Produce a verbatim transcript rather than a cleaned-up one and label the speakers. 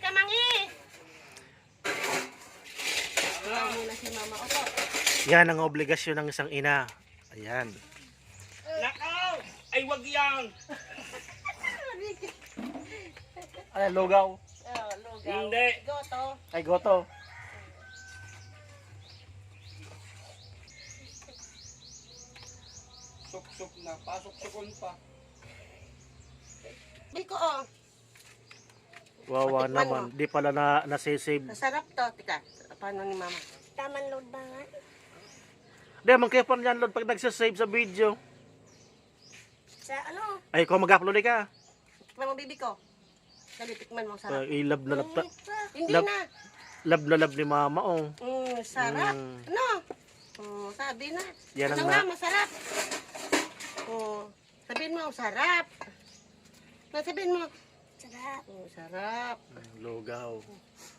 Speaker 1: ka, Mangi. Wala muna si Mama. Opo.
Speaker 2: Yan ang obligasyon ng isang ina. Ayan.
Speaker 3: Nakaw! Ay, wag yan!
Speaker 2: Ay, lugaw.
Speaker 1: Oh, lugaw.
Speaker 3: Hindi.
Speaker 1: Goto.
Speaker 2: Ay, goto.
Speaker 3: Suk-suk na. Pasok-sukon pa.
Speaker 1: Biko, oh.
Speaker 2: Wawa
Speaker 1: Patikman
Speaker 2: naman. Di pala na nasisave.
Speaker 1: Masarap to. Tika, paano ni Mama?
Speaker 4: Taman load ba nga?
Speaker 2: Di, man kayo pa niyan, Lord, pag nagsasave sa video.
Speaker 4: Sa ano?
Speaker 2: Ay, kung mag-upload ka.
Speaker 1: Tikman mo, bibi ko. Dali, tikman mo. Sarap.
Speaker 2: Ay, love na love.
Speaker 4: Init pa.
Speaker 1: Hindi
Speaker 2: love-
Speaker 1: na.
Speaker 2: Love na love ni mama, oh.
Speaker 1: Mm, sarap.
Speaker 2: Mm.
Speaker 1: Ano? Oh, sabi na.
Speaker 2: Yan ang
Speaker 1: ano
Speaker 2: na-
Speaker 1: nga, masarap. Oh, sabihin mo, sarap. Na sabihin mo,
Speaker 4: Sarap.
Speaker 1: oh, sarap.
Speaker 2: Lugaw.